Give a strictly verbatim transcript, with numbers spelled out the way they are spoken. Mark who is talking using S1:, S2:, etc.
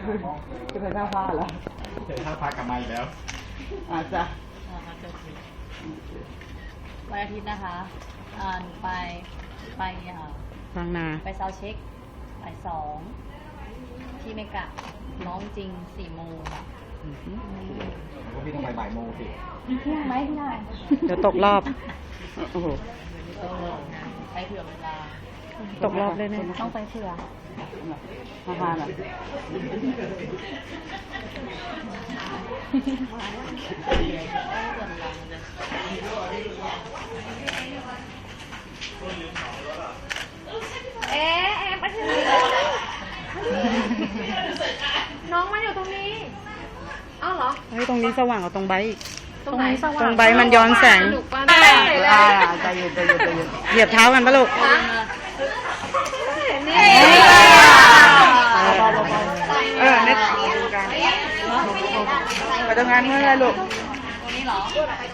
S1: จะเป็นท่าผ้าเหรอ
S2: เจอท่าพากลับมาอีกแล้ว
S1: อาจจะ
S3: วันอาทิตย์นะคะอ่าหนูไปไปอ่า
S4: บางนา
S3: ไปซาวด์เช็คบ่ายสองที่เมกะน้องจริงสี่โมงค่ะ
S2: ก็พี่ต้องไปบ่ายโมงสิ
S3: เที่ยงไหมพี่นาย
S4: เดี๋ยวตกรอบ โอ้โห
S3: เออไปเผื่อเวลา
S4: ตกรอบเลยเนี่ย
S3: ต้องไปเผื่อ
S1: ท่าผ้าน่ะ
S5: เอ๊ะเอ๊ะไปถึงน้องมันอยู่ตรงนี้อ้าวเหรอ
S4: เฮ้ย ตรงนี้สว่างกว่าตรงใบอีก
S5: ตรงไหนสว่าง
S4: ตรงใบมันย้อนแสง
S5: ดุกว่าได้เลย
S1: อ่าใจเย็นใจเย็นใจเย็น
S4: เหยียบเท้ากันปะลูก
S5: นี่
S1: เออเนี่ยไปทำงานเมื่อไรลูก
S3: ตรงนี้เหรอ